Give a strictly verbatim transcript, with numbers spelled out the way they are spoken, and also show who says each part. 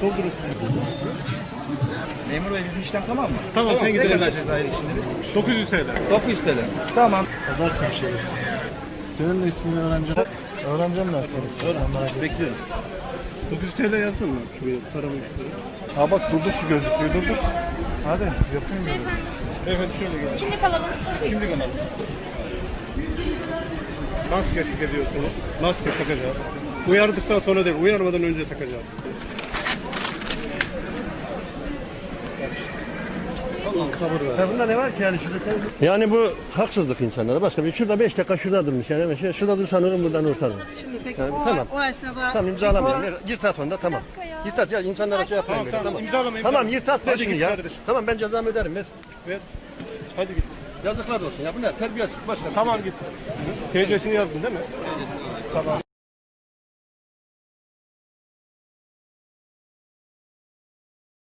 Speaker 1: Doldurursunuz.
Speaker 2: Memur bey bizim işlem tamam mı?
Speaker 1: Tamam, sen gidelim.
Speaker 2: Ne kadar cezai işinde biz?
Speaker 1: dokuz yüz T L.
Speaker 2: dokuz yüz T L. Tamam.
Speaker 3: Yazarsın bir şey. Senin de ismini öğreneceğim. Öğreneceğim ben seni. Sen merak etme.
Speaker 1: Bekliyorum. dokuz yüz T L yazdın mı? Şuraya paramı istiyorum.
Speaker 3: Ha bak durdur şu gözlüklüğü durdur. Hadi yapayım böyle.
Speaker 1: Beyefendi şöyle gelin.
Speaker 4: Kimlik alalım.
Speaker 1: Şimdi alalım. Maske ediyorsunuz. Maske takacağız. Uyardıktan sonra değil, uyarmadan önce takacağız.
Speaker 3: Ha bunda ne var ki yani şurada sen...
Speaker 5: Yani bu haksızlık insanlara. Başka bir şurada beş dakika şurada durmuş yani. Hemen şey, şurada dursan ölüm buradan kurtarır.
Speaker 6: Şimdi peki
Speaker 5: Yani
Speaker 6: o,
Speaker 5: tamam.
Speaker 6: o esnada...
Speaker 5: Tamam imzalamayalım. Ver, Yırtat onda tamam. Yırtat ya insanlara şey yapmayın böyle.
Speaker 1: Tamam,
Speaker 5: Tamam.
Speaker 1: imzalamayın.
Speaker 5: Tamam yırtat ver
Speaker 1: Hadi
Speaker 5: şunu
Speaker 1: git
Speaker 5: ya.
Speaker 1: kardeşim.
Speaker 5: Tamam ben cezamı öderim ver.
Speaker 1: Ver. Hadi git.
Speaker 5: Yazıklar olsun ya bu ne terbiyesiz başka.
Speaker 1: Tamam git. T C'sini yazdın değil mi? Tamam.